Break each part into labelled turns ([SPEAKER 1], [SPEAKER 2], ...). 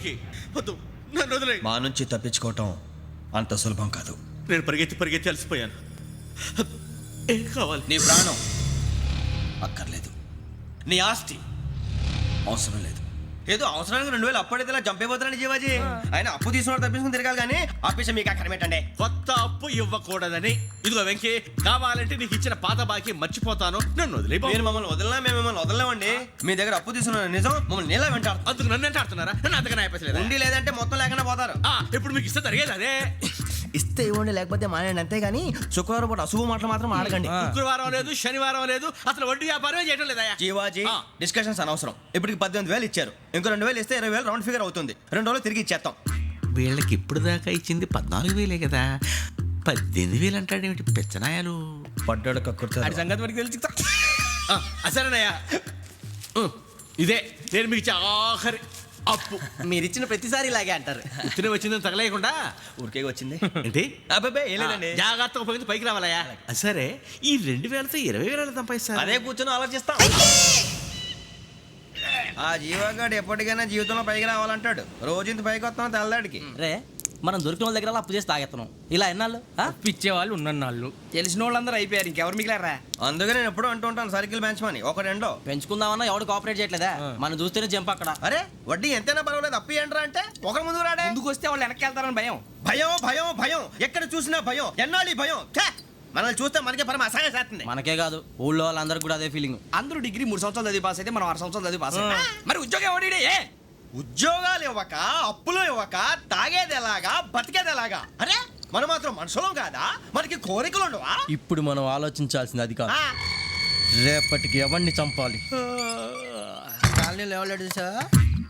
[SPEAKER 1] వెంకీ వద్దు, నన్ను వదిలేయ్.
[SPEAKER 2] మా నుంచి తప్పించుకోవటం అంత సులభం కాదు.
[SPEAKER 1] నేను పరిగెత్తి అలసిపోయాను. ఏం కావాలి?
[SPEAKER 2] నీ ప్రాణం అక్కర్లేదు, నీ ఆస్తి అవసరం లేదు. ఏదో అవసరానికి 2000 అప్పుడైతే ఇలా చంపేపోతానని జీవాజీ. ఆయన అప్పు తీసుకున్న తప్పించుకుని తిరగాలి కానీ ఆపేసి మీకు అక్కడ పెట్టండి.
[SPEAKER 1] కొత్త అప్పు ఇవ్వకూడదని. ఇదిగో వెంకీ, కావాలంటే నీకు ఇచ్చిన పాత బాకీ మర్చిపోతాను, నన్ను వదిలే.
[SPEAKER 2] మీరు మమ్మల్ని వదలనా? మేము మిమ్మల్ని వదలలేమండి. మీ దగ్గర అప్పు తీసుకున్న నిజం మమ్మల్ని నీలా వెంటాడు.
[SPEAKER 1] అందుకు నన్ను ఎంత ఆడుతున్నారా? నన్ను అంతగా నాయపసలేదు.
[SPEAKER 2] ఉండి లేదంటే మొత్తం లేకుండా పోతారు.
[SPEAKER 1] ఇప్పుడు మీకు ఇస్తే జరిగేది అదే.
[SPEAKER 2] ఇస్తే ఇవ్వండి, లేకపోతే మానేయండి, అంతేగాని శుక్రవారం పూట అశుభ మాటలు మాత్రం ఆడకండి.
[SPEAKER 1] శుక్రవారం లేదు, శనివారం లేదు, అసలు వడ్డీ వ్యాపారమే చేయడం లేదా?
[SPEAKER 2] జీవాజీ డిస్కషన్స్ అనవసరం. ఇప్పటికి 18,000 ఇచ్చారు, ఇంకో 2,000 ఇస్తే 20,000 రౌండ్ ఫిగర్ అవుతుంది. 2 రోజులు తిరిగి ఇచ్చేస్తాం.
[SPEAKER 1] వీళ్ళకి ఇప్పుడు దాకా ఇచ్చింది 14,000 కదా, 18,000 అంటాడేమిటి పెచ్చనాయాలు?
[SPEAKER 2] పడ్డాడు కక్కుర్తాడు.
[SPEAKER 1] సంగతి వరకు తెలిసి అసలేనయ్యా, ఇదే నేను మీకు ఇచ్చే ఆఖరి అప్పు.
[SPEAKER 2] మీరిచ్చిన ప్రతిసారి ఇలాగే అంటారు.
[SPEAKER 1] తిని వచ్చిందని తగలేయకుండా
[SPEAKER 2] ఊరికే వచ్చింది
[SPEAKER 1] ఏంటి?
[SPEAKER 2] అబ్బాయి ఏం లేదండి.
[SPEAKER 1] జాగ్రత్తగా ఉపయోగించి పైకి రావాలయ్యా. సరే, ఈ 2,000తో 20,000 సంపాదిస్తారు.
[SPEAKER 2] అదే కూర్చొని ఆలోచిస్తాం. ఆ జీవగాడు ఎప్పటికైనా జీవితంలో పైకి రావాలంటాడు. రోజు ఇంత పైకి వస్తాం తెల్లడికి.
[SPEAKER 3] రే, మనం దొరికిన వాళ్ళ దగ్గర అప్పు చేసి తాగెత్తనం. ఇలా ఎన్నాళ్ళు
[SPEAKER 4] పిచ్చేవాళ్ళు ఉన్నన్నాళ్ళు తెలిసిన వాళ్ళందరూ అయిపోయారు, ఇంకెవరు మిగిలారా?
[SPEAKER 2] అందుకే నేను ఎప్పుడు అంటూ ఉంటాను సర్కిల్ బెంచ్ మని ఒక రెండో
[SPEAKER 3] పెంచుకుందామన్నా ఎవడు కోఆపరేట్ చేయట్లేదా? మనం చూస్తేనే జంప్ అక్కడ.
[SPEAKER 2] అరే వడ్డీ ఎంతైనా పర్వాలేదు, అప్పు ఏంట్రా అంటే ఒక ముందు రాడే.
[SPEAKER 4] ముందుకు వస్తే వాళ్ళు వెనక్కి వెళ్తారని భయం.
[SPEAKER 2] భయం భయం భయం, ఎక్కడ చూసినా భయం. ఎన్నాళ్ళు ఈ భయం? మనల్ని చూస్తే మనకే పరమ అసహాయం చేస్తుంది.
[SPEAKER 3] మనకే కాదు, ఊళ్ళో వాళ్ళందరికీ కూడా అదే ఫీలింగ్.
[SPEAKER 4] అందరూ డిగ్రీ 3 సంవత్సరాలు చదివి పాస్ అయితే మనం 6 సంవత్సరాలు చదివి పాస్ మరి ఉద్యోగం ఎవడి?
[SPEAKER 2] ఉద్యోగాలు ఇవ్వక, అప్పులు ఇవ్వక, తాగేది ఎలాగా, బతికేది ఎలాగా? అరే మనం మాత్రం మనుషులం కాదా? మనకి కోరికలు ఉండవా?
[SPEAKER 3] ఇప్పుడు మనం ఆలోచించాల్సింది అది కాదు, రేపటికి ఎవరిని చంపాలి.
[SPEAKER 4] కాలనీలో ఎవరు సార్?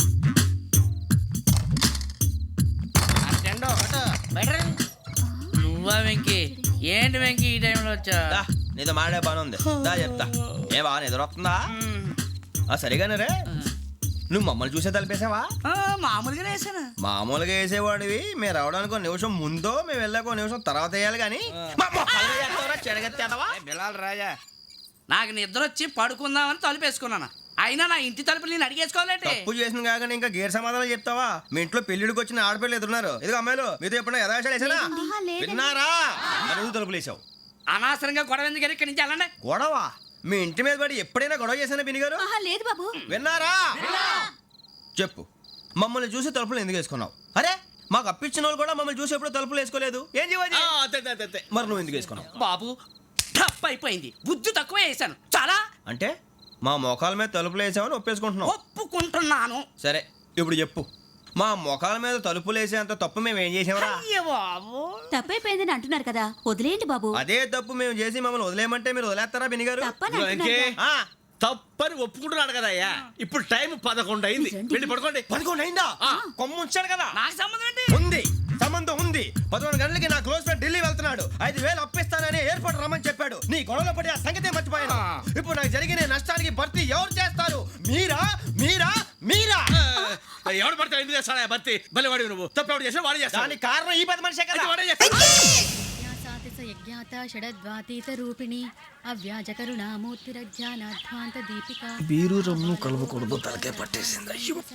[SPEAKER 5] నువ్వా వెంకీ? ఏంటి వెంకీ ఈ టైంలో వచ్చా?
[SPEAKER 2] నీతో మాడే పని ఉంది, దా చెప్తా. ఏ బాగా నిద్రొస్తుందా? సరిగానే రే, నువ్వు మమ్మల్ని చూసే తలిపేసావా?
[SPEAKER 5] మామూలుగానే వేసాను.
[SPEAKER 2] మామూలుగా వేసేవాడివి. మేము రావడానికి 1 నిమిషం ముందో, మేము వెళ్ళాక 1 నిమిషం తర్వాత వేయాలి కానీ
[SPEAKER 4] బిలాల్ రాజా,
[SPEAKER 5] నాకు నిద్ర వచ్చి పడుకుందామని తలుపు వేసుకున్నాను. అయినా నా ఇంటి తలుపులు నేను అడిగేసుకోవాలంటే
[SPEAKER 2] తప్పు చేసిన కాక ఇంకా గేర్ సమాధానం చెప్తావా? మీ ఇంట్లో పెళ్లిడికి వచ్చిన ఆడపిల్లలు ఎదురున్నారు. ఇదిగో అమ్మాయిలు, మీతో ఎప్పుడైనా యథాశాలు వేసానా? విన్నారా? అడుగు తలుపులు వేసావు.
[SPEAKER 5] అనవసరంగా గొడవ ఎందుకు? ఇక్కడి నుంచి వెళ్ళండి.
[SPEAKER 2] గొడవ? మీ ఇంటి మీద పడి ఎప్పుడైనా గొడవ చేశానా బిని గారు?
[SPEAKER 6] లేదు బాబు.
[SPEAKER 2] విన్నారా? చెప్పు, మమ్మల్ని చూసి తలుపులు ఎందుకు వేసుకున్నావు? అరే మాకు అప్పించిన వాళ్ళు కూడా మమ్మల్ని చూసి ఎప్పుడు తలుపులు వేసుకోలేదు. ఏం చేయాలి? మరి నువ్వు ఎందుకు వేసుకున్నావు?
[SPEAKER 5] బాబు టప్ అయిపోయింది, బుద్ధి తక్కువ వేసాను చాలా.
[SPEAKER 2] అంటే మా మోకాల మీద తలుపులు వేసామని ఒప్పేసుకుంటున్నావు?
[SPEAKER 5] ఒప్పుకుంటున్నాను.
[SPEAKER 2] సరే ఇప్పుడు చెప్పు, మా మొఖాల మీద తలుపులు వేసేంత తప్పు మేము ఏం చేసామరా?
[SPEAKER 5] అయ్యో బాబు,
[SPEAKER 6] తప్పైపోయిందని అంటున్నారు కదా, వదిలేయండి బాబు.
[SPEAKER 2] అదే తప్పు మేము చేసి మమ్మల్ని వదిలేయమంటే మీరు వదిలేస్తారా బినిగారు?
[SPEAKER 6] తప్పని అంటున్నారు కదా.
[SPEAKER 1] తప్పని ఒప్పుకుంటున్నాడు కదా అయ్యా. ఇప్పుడు టైం 11 అయింది, వెళ్ళి పడుకోండి.
[SPEAKER 2] 11 అయిందా? కొమ్ము ఉంచాడు కదా.
[SPEAKER 5] నాకు సంబంధం ఏంటి?
[SPEAKER 2] ఉంది, సంబంధం ఉంది. 11 గంటలకి నా క్లోజ్ ఫ్రెండ్ ఢిల్లీ వెళ్తున్నాడు. 5,000 అప్పిస్తానని ఎయిర్పోర్ట్ రమ్మని చెప్పాడు. నీ గొడవలో పడి ఆ సంగతే మర్చిపోయాను. ఇప్పుడు నాకు జరిగిన నష్టానికి భర్తీ ఎవరు చేస్తారు? మీరా మీరా మీరా?
[SPEAKER 1] ఎవడు పడితే ఎందుకు చేస్తాడా భర్తీ? మళ్ళీ వాడి నువ్వు తప్పు ఎవడు చేసా వాడే చేస్తా.
[SPEAKER 2] దానికి కారణం ఈ 10 మనిషే కదా.
[SPEAKER 1] వాడే చేస్తా.
[SPEAKER 6] యజ్ఞాత షడద్వాతీత రూపిణి అవ్యాజ కరుణామూర్తిరజ్ఞానాధ్వాంత దీపిక
[SPEAKER 2] బీరు రమ్ము కలవకూడదు, తలకే పట్టేసింది.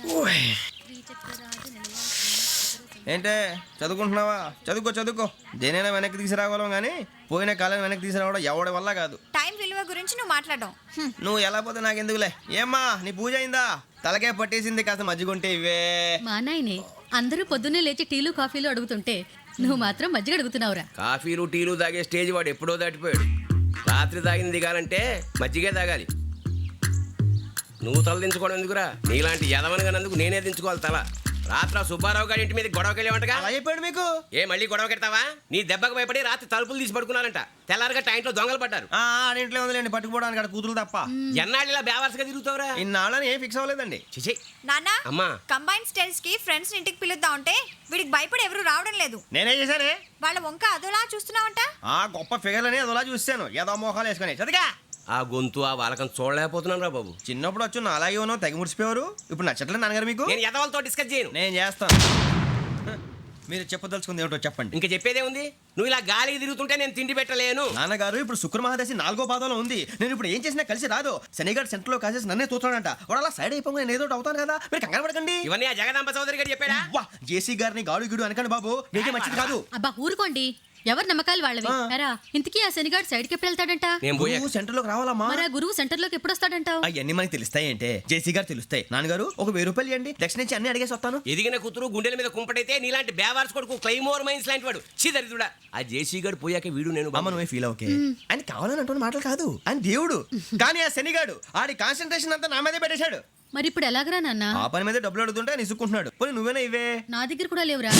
[SPEAKER 2] ఏంటే చదువుకుంటున్నావా? చదువుకో. దేనైనా వెనక్కి తీసుకురావాలం కానీ పోయిన కాలం వెనక్కి తీసుకురావడం ఎవడి వల్ల కాదు.
[SPEAKER 6] టైం విలువ గురించి నువ్వు మాట్లాడడం.
[SPEAKER 2] నువ్వు ఎలా పోతే నాకెందుకులే. ఏమ్మా నీ పూజ అయిందా? తలకే పట్టేసింది, కాస్త మజ్జిగుంటే ఇవే.
[SPEAKER 6] మా నాయనే అందరూ పొద్దున్నే లేచి టీలు కాఫీలు అడుగుతుంటే నువ్వు మాత్రం మజ్జిగ అడుగుతున్నావురా.
[SPEAKER 7] కాఫీలు టీలు తాగే స్టేజ్ వాడు ఎప్పుడో దాటిపోయాడు. రాత్రి తాగింది దిగాలంటే మజ్జిగే తాగాలి. నువ్వు తల దించుకోవడం ఎందుకురా? నీలాంటి యదవనగానందుకు నేనే దించుకోవాలి తల. రాత్రి సుబ్బారావు గారి ఇంటి మీద గొడవకి వెళ్ళేవంటగా.
[SPEAKER 2] అలా చెప్పాడు మీకు?
[SPEAKER 7] ఏ మళ్ళీ గొడవ కెడతావా? నీ దెబ్బకు భయపడి రాత్రి తలుపులు తీసి పడుకున్నారంట. తెల్లారగా టైంట్లో దొంగలు పడ్డారు.
[SPEAKER 2] ఆడింట్లో ఉందిలేండి, పట్టుకుపోవడానికి అక్కడ కూతురు తప్ప.
[SPEAKER 7] ఎన్నాళ్ళు ఇలా బేవర్స్గా తిరుగుతావురా?
[SPEAKER 2] ఇన్నాళ్ళని ఏం ఫిక్స్ అవ్వలేదండి.
[SPEAKER 7] చిచి
[SPEAKER 8] నాన్న,
[SPEAKER 7] అమ్మా,
[SPEAKER 8] కంబైన్ స్టైల్స్ కి ఫ్రెండ్స్ ఇంటికి పిలుద్దాం అంటే వీడికి భయపడి ఎవరు రావడం లేదు.
[SPEAKER 2] నేనే చేశానే.
[SPEAKER 8] వాళ్ళ వంక అదోలా చూస్తున్నావంట.
[SPEAKER 2] ఆ గొప్ప ఫిగర్లని అదోలా చూస్తాను, ఏదో మోహాలు వేసుకొని. చదిగా
[SPEAKER 7] ఆ గొంతు ఆ వాలకం చూడలేకపోతున్నాను రా బాబు.
[SPEAKER 2] చిన్నప్పుడు వచ్చి నా అలాగే ఉన్నావు, తెగ ముడిచిపోయారు. ఇప్పుడు నచ్చట్లేదు నాన్నగారు మీకు?
[SPEAKER 7] నేను యదవలతో డిస్కస్ చేయను.
[SPEAKER 2] నేను చేస్తాను. మీరు చెప్పదలుచుకుంది ఏమిటో చెప్పండి.
[SPEAKER 7] ఇంకా చెప్పేదే ఉంది. నువ్వు ఇలా గాలికి తిరుగుతుంటే నేను తిండి పెట్టలేను.
[SPEAKER 2] నాన్నగారు ఇప్పుడు శుక్ర మహాదశి 4వ పాదంలో ఉంది. నేను ఇప్పుడు ఏం చేసినా కలిసి రాదు. శనిగారు సెంటర్ లో కాసేసి నన్నే చూస్తాడంట. వాడు అలా సైడ్ అయిపోయి నేను ఏదో ఒకటి అవుతాను కదా, మీరు కంగారు పడకండి.
[SPEAKER 7] ఇవన్నీ ఆ జగదాంబ చౌదరి గారు చెప్పాడా?
[SPEAKER 2] వా జేసీ గారిని గాడు గిడు అనకండి బాబు, మీకే మంచిది కాదు.
[SPEAKER 6] అబ్బా ఊరుకోండి, ఎవరి నమ్మకాలు వాళ్ళవి. ఎరా ఇంతకీ ఆ శనిగాడు సైడ్కి ఎప్పుడు వెళ్తాడంట?
[SPEAKER 7] నేను పోయా.
[SPEAKER 2] నువ్వు సెంటర్ లోకి రావాలమ్మా.
[SPEAKER 6] మరి ఆ గురువు సెంటర్ లోకి ఎప్పుడు వస్తాడంటావు?
[SPEAKER 2] అవన్నీ మనకి తెలుస్తాయి అంటే జేసీ గారు తెలుస్తాయి. నాన్నగారు ఒక 1000 రూపాయలు ఇవ్వండి, దక్షిణ నుంచి అన్ని అడిగేసి వస్తాను.
[SPEAKER 7] ఎదిగిన కూతురు గుండెల మీద కుంపటైతే నీలాంటి బేవార్స్ కొడుకు క్లైమోర్ మైన్స్ లాంటి వాడు చీదరిదుడా. ఆ జేసీ గారు పోయాక వీడు నేను
[SPEAKER 2] అమ్మ నువ్వే ఫీల్ ఓకే. ఆయన కావాలని అంటున్న మాటలు కాదు, ఆయన దేవుడు. కానీ ఆ శనిగాడు ఆడి కాన్సన్ట్రేషన్ అంతా నా మీదే పెట్టేశాడు.
[SPEAKER 6] మరి ఇప్పుడు ఎలాగరా నాన్న?
[SPEAKER 2] ఆ పని మీద డబ్బులు అడుగుతుంటే ఆయన ఇసుక్కుంటున్నాడు. పోనీ నువ్వేనా ఇవే?
[SPEAKER 6] నా దగ్గర కూడా లేవురా.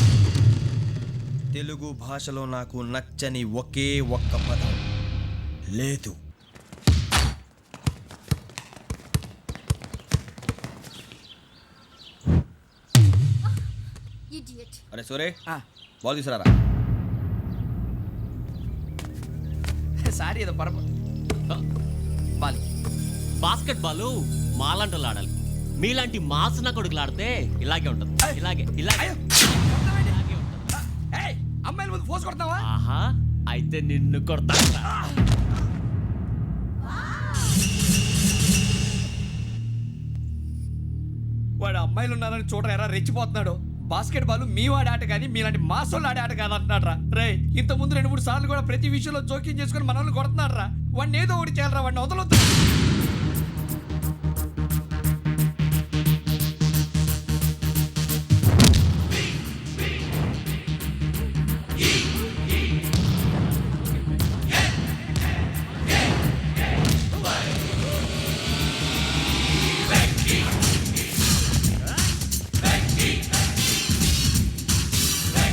[SPEAKER 2] తెలుగు భాషలో నాకు నచ్చని ఒకే ఒక్క పదం లేదు. అరే సోరే బాల్ తీసుకురారా.
[SPEAKER 4] సారీ ఏదో పరప బాలి.
[SPEAKER 9] బాస్కెట్ బాల్ మాలాంటి ఆడాలి. మీలాంటి మాసన కొడుకులు ఆడితే ఇలాగే ఉంటుంది. ఇలాగే ఇలాగే
[SPEAKER 4] ఏయ్, అమ్మాయిల ముందు ఫోర్స్ కొడతావా?
[SPEAKER 9] ఆహా, అయితే నిన్ను కొడతా.
[SPEAKER 4] వాడు అమ్మాయిలు ఉన్నారని చూడరా ఎరా రెచ్చిపోతున్నాడు. బాస్కెట్ బాల్ మీ వాడి ఆట కానీ మీలాంటి మాసోళ్ళు ఆడే ఆట కాదు అంటున్నాడు రా. రే ఇంత ముందు 2-3 సార్లు కూడా ప్రతి విషయంలో జోక్యం చేసుకుని మనల్ని కొడుతున్నాడు రా. వాడిని ఏదో ఒకటి చేయాలరా, వాడిని వదలొద్దు.